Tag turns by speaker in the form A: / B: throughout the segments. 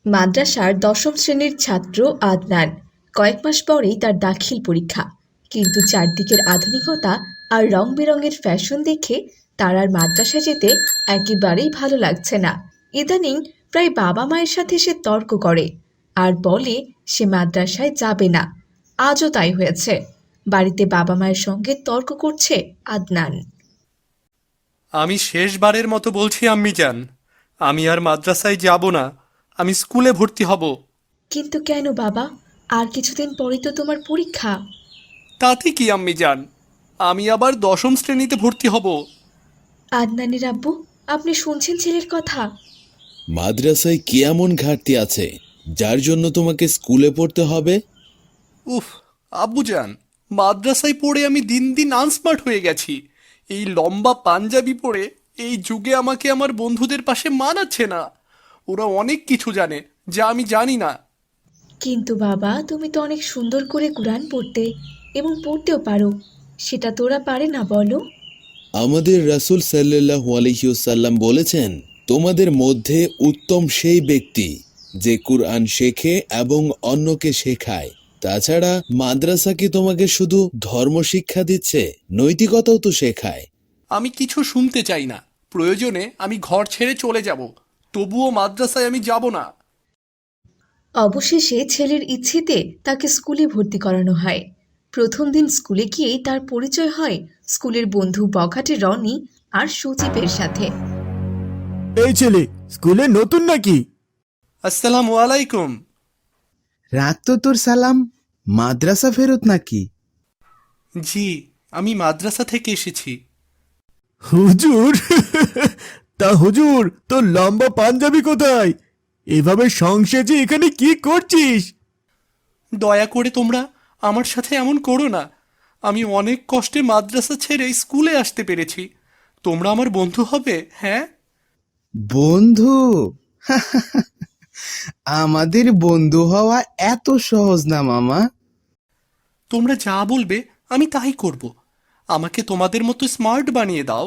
A: মাদ্রাসার দশম শ্রেণীর ছাত্র আদনান। কয়েক মাস পরেই তার দাখিল পরীক্ষা। কিন্তু চারদিকের আধুনিকতা আর রং বেরঙের ফ্যাশন দেখে তার আর মাদ্রাসা যেতে একেবারেই ভালো লাগছে না। ইদানিং প্রায় বাবা মায়ের সাথে সে তর্ক করে আর বলে সে মাদ্রাসায় যাবে না। আজও তাই হয়েছে। বাড়িতে বাবা মায়ের সঙ্গে তর্ক করছে আদনান।
B: আমি শেষবারের মতো বলছি আম্মিজান, আমি আর মাদ্রাসায় যাব না। আমি স্কুলে ভর্তি হব।
A: কিন্তু কেন বাবা? আর কিছুদিন পরেই তো তোমার পরীক্ষা।
B: তাতে কি আম্মিজান, আমি আবার দশম শ্রেণীতে ভর্তি হব।
A: আদনানের আব্বু, আপনি শুনছেন ছেলের কথা?
C: মাদ্রাসায় কি এমন ঘাটতি আছে যার জন্য তোমাকে স্কুলে পড়তে হবে?
B: উফ, আব্বুজান, মাদ্রাসায় পড়ে আমি দিন দিন আনস্মার্ট হয়ে গেছি। এই লম্বা পাঞ্জাবি পরে এই যুগে আমাকে আমার বন্ধুদের পাশে মানাচ্ছে না। ওরা অনেক কিছু জানে যা আমি জানি না।
A: কিন্তু বাবা, তুমি তো অনেক সুন্দর করে কুরআন পড়তে এবং পড়তেও পারো। সেটা তো ওরা পারে না, বলো?
C: আমাদের রাসূল সাল্লাল্লাহু আলাইহি ওয়াসাল্লাম বলেছেন, তোমাদের মধ্যে উত্তম সেই ব্যক্তি যে কুরআন শেখে এবং অন্যকে শেখায়। তাছাড়া মাদ্রাসা কি তোমাকে শুধু ধর্ম শিক্ষা দিচ্ছে, নৈতিকতাও তো শেখায়।
B: আমি কিছু শুনতে চাই না। প্রয়োজনে আমি ঘর ছেড়ে চলে যাব, তবুও মাদ্রাসায় আমি যাব না।
A: অবশেষে ছেলের ইচ্ছেতে তাকে স্কুলে ভর্তি করানো হয়। প্রথম দিন স্কুলে গিয়েই তার পরিচয় হয় স্কুলের বন্ধু বখাটে রনি আর সজীবের সাথে।
D: এই ছেলে স্কুলে নতুন নাকি?
B: আসসালামু আলাইকুম।
E: রাখ তো তোর সালাম। মাদ্রাসা ফেরত নাকি?
B: জি, আমি মাদ্রাসা থেকে এসেছি।
D: হুজুর তা হুজুর তোর লম্বা পাঞ্জাবি কোথায়? এভাবে সংসেজে এখানে কি করছিস?
B: দয়া করে তোমরা আমার সাথে এমন করো না। আমি অনেক কষ্টে মাদ্রাসা ছেড়ে স্কুলে আসতে পেরেছি। তোমরা আমার বন্ধু হবে, হ্যাঁ?
E: বন্ধু? আমাদের বন্ধু হওয়া এত সহজ না মামা।
B: তোমরা যা বলবে আমি তাই করব। আমাকে তোমাদের মতো স্মার্ট বানিয়ে দাও।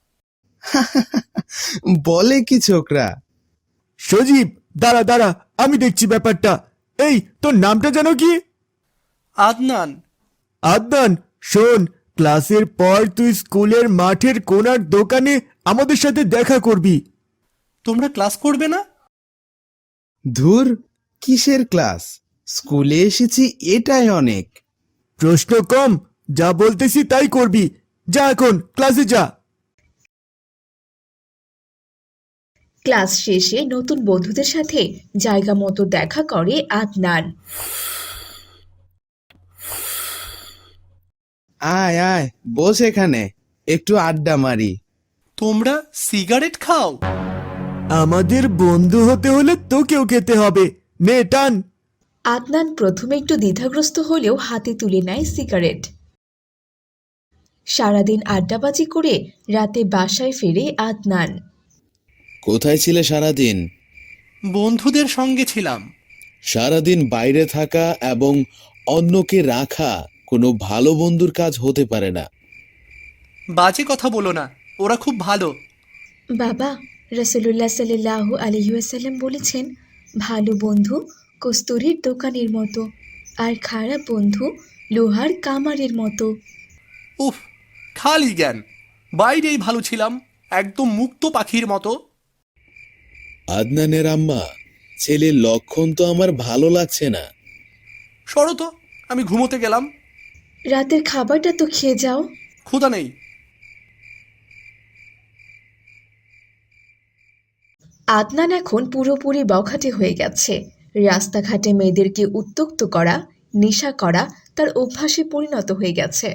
E: বলে কি ছোকরা?
D: সজীব, দাঁড়া দাঁড়া, আমি দেখছি ব্যাপারটা। এই তোর নামটা যেন কি?
B: আদনান।
D: আদনান, শোন, ক্লাসের পর তুই স্কুলের মাঠের কোণার দোকানে আমাদের সাথে দেখা করবি।
B: তোমরা ক্লাস করবে না?
E: ধুর, কিসের ক্লাস? স্কুলে এসেছি এটাই অনেক।
D: প্রশ্ন কম, যা বলতেছি তাই করবি। যা এখন ক্লাসে যা।
A: ক্লাস শেষে নতুন বন্ধুদের সাথে জায়গা মতো দেখা করে আদনান।
E: আয় আয়, বস এখানে, একটু আড্ডা মারি।
B: তোমরা সিগারেট খাও?
D: আমাদের বন্ধু হতে হলে তোকেও খেতে হবে। নে টান।
A: আদনান প্রথমে একটু দ্বিধাগ্রস্ত হলেও হাতে তুলে নেয় সিগারেট। সারাদিন আড্ডাবাজি করে রাতে বাসায় ফেরে আদনান।
C: কোথায় ছিলে সারাদিন?
B: বন্ধুদের সঙ্গে ছিলাম।
C: সারাদিন বাইরে থাকা এবং অন্যকে রাখা কোনো ভালো বন্ধুর কাজ হতে পারে না।
B: বাজে কথা বলো না, ওরা খুব ভালো।
A: বাবা, রাসূলুল্লাহ সাল্লাল্লাহু আলাইহি ওয়াসাল্লাম বলেছেন, ভালো বন্ধু কস্তুরীর দোকানের মতো আর খারাপ বন্ধু লোহার কামারের মতো।
B: উফ, খালি জ্ঞান। বাইরেই ভালো ছিলাম, একদম মুক্ত পাখির মতো।
C: আদনানের আম্মা, ছেলের লক্ষণ তো আমার ভালো লাগছে না।
B: সরো তো, আমি ঘুমোতে গেলাম।
A: রাতের খাবারটা তো খেয়ে যাও।
B: ক্ষুধা নেই।
A: আদনান এখন পুরোপুরি বখাটে হয়ে গেছে। রাস্তাঘাটে মেয়েদেরকে উত্ত্যক্ত করা, নেশা করা তার অভ্যাসে পরিণত হয়ে গেছে।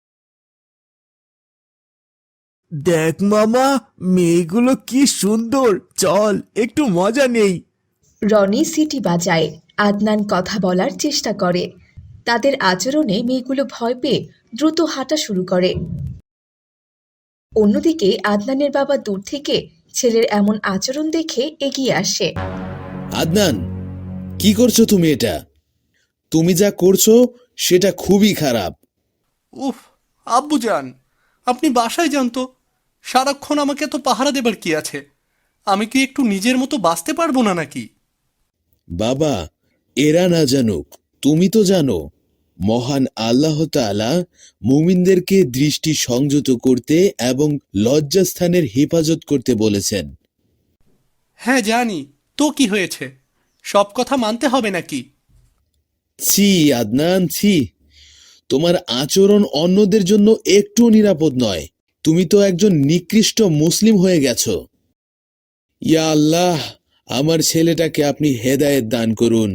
D: দেখ মামা, মেয়েগুলো কি সুন্দর, চল একটু মজা নেই।
A: রনি সিটি বাজায়। আদনান কথা বলার চেষ্টা করে। তাদের আচরণে মেয়েগুলো ভয় পেয়ে দ্রুত হাঁটা শুরু করে। অন্যদিকে আদনানের বাবা দূর থেকে ছেলের এমন আচরণ দেখে এগিয়ে আসে।
C: আদনান, কি করছো তুমি? এটা তুমি যা করছো সেটা খুবই খারাপ।
B: উফ, আব্বুজান, আপনি বাসায় যান তো। সারাক্ষণ আমাকে এত পাহারা দেবার কি আছে? আমি কি একটু নিজের মতো বাঁচতে পারবো না নাকি?
C: বাবা, এরা না জানুক, তুমি তো জানো মহান আল্লাহ তাআলা মুমিনদেরকে দৃষ্টি সংযত করতে এবং লজ্জাস্থানের হেফাজত করতে বলেছেন।
B: হ্যাঁ জানি, তো কি হয়েছে? সব কথা মানতে হবে নাকি?
C: ছি আদনান, ছি। তোমার আচরণ অন্যদের জন্য একটু নিরাপদ নয়। তুমি তো একজন নিকৃষ্ট মুসলিম হয়ে গেছো। ইয়া আল্লাহ, আমার ছেলেটাকে আপনি হেদায়েত দান করুন।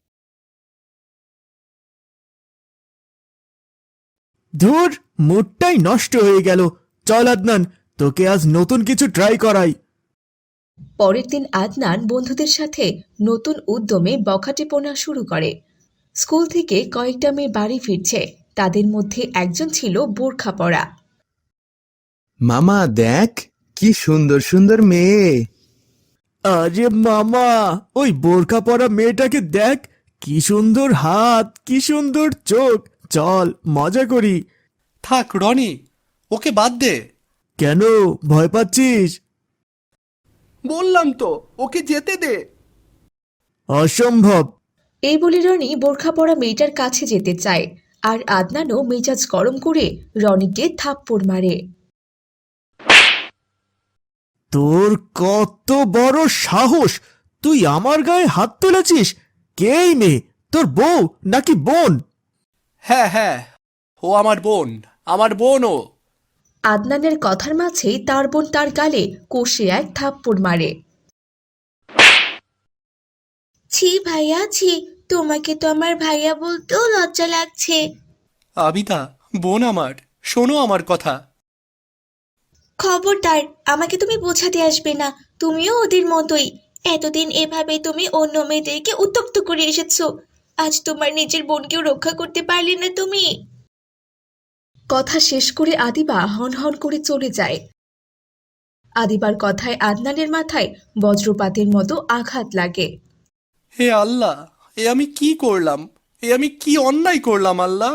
D: ধুর, মুডটাই নষ্ট হয়ে গেল। চল আদনান, তোকে আজ নতুন কিছু ট্রাই করাই।
A: পরের দিন আদনান বন্ধুদের সাথে নতুন উদ্যমে বখাটেপনা শুরু করে। স্কুল থেকে কয়েকটা মেয়ে বাড়ি ফিরছে, তাদের মধ্যে একজন ছিল বোরখা পরা।
E: মামা দেখ, কি সুন্দর সুন্দর মেয়ে।
D: আরে মামা, ওই বোরখা পরা মেয়েটাকে দেখ, কি সুন্দর হাত, কি সুন্দর চোখ। চল মজা করি।
B: থাক রনি, ওকে বাদ দে।
D: কেন, ভয় পাচ্ছিস?
B: বললাম তো, ওকে যেতে দে।
D: অসম্ভব।
A: এই বলে রনি বোরখা পরা মেয়েটার কাছে যেতে চায়, আর আদনানও মেজাজ গরম করে রনিকে থাপ্পড় মারে।
D: তোর কত বড় সাহস! তুই আমার গায়ে হাত তুলেছিস? কে এই মেয়ে? তোর বউ নাকি বোন?
B: হ্যাঁ হ্যাঁ, ও আমার বোন, আমার বোন ও।
A: আদনানের কথার মাঝেই তার বোন তার গালে কষে এক থাপ্পড় মারে। ছি ভাইয়া, ছি, তোমাকে তো আমার ভাইয়া বলতেও লজ্জা লাগছে।
B: আবিদা, বোন আমার, শোনো আমার কথা।
A: খবরদার, আমাকে তুমি বোঝাতে আসবে না। তুমিও ওদের মতোই। এতদিন এভাবে তুমি অন্য মেয়েদেরকে উত্ত্যক্ত করে এসেছো, আজ তোমার নিজের বোনকেও রক্ষা করতে পারলে না তুমি। কথা শেষ করে আদিবা হন হন করে চলে যায়। আদিবার কথায় আদনানের মাথায় বজ্রপাতের মতো আঘাত লাগে।
B: হে আল্লাহ, এ আমি কি করলাম? এ আমি কি অন্যায় করলাম আল্লাহ?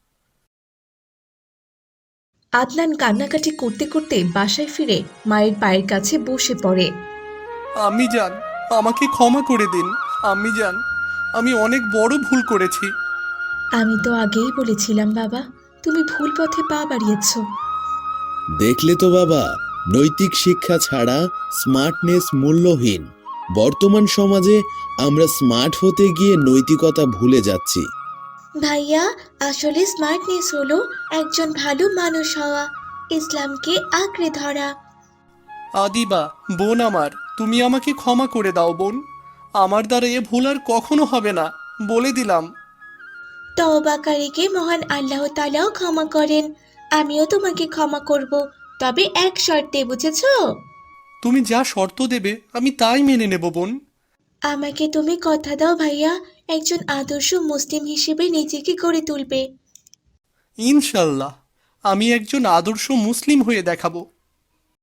A: আদনান কান্নাকাটি করতে করতে বাসায় ফিরে মায়ের পায়ের কাছে বসে পড়ে।
B: আম্মি জান, আমাকে ক্ষমা করে দিন। আম্মি জান, আমি অনেক বড় ভুল করেছি।
A: আমি তো আগেই বলেছিলাম বাবা, তুমি ভুল পথে পা বাড়িয়েছ।
C: দেখলে তো বাবা, নৈতিক শিক্ষা ছাড়া স্মার্টনেস মূল্যহীন। বর্তমান সমাজে আমরা স্মার্ট হতে গিয়ে নৈতিকতা ভুলে যাচ্ছি।
A: ভাইয়া, আসলে স্মার্টনেস হলো একজন ভালো মানুষ হওয়া, ইসলামকে আঁকড়ে ধরা।
B: আদিবা, বোন আমার, তুমি আমাকে ক্ষমা করে দাও বোন। আমার দ্বারা এ ভুল আর কখনো হবে না, বলে দিলাম।
A: তওবাকারীকে মহান আল্লাহ তাআলাও ক্ষমা করেন। আমিও তোমাকে ক্ষমা করব, তবে এক শর্তে, বুঝেছো?
B: তুমি যা শর্ত দেবে আমি তাই মেনে নেব বোন।
A: আমাকে তুমি কথা দাও ভাইয়া, একজন আদর্শ মুসলিম হিসেবে নিজেকে গড়ে তুলবে।
B: ইনশাল্লাহ, আমি একজন আদর্শ মুসলিম হয়ে দেখাবো।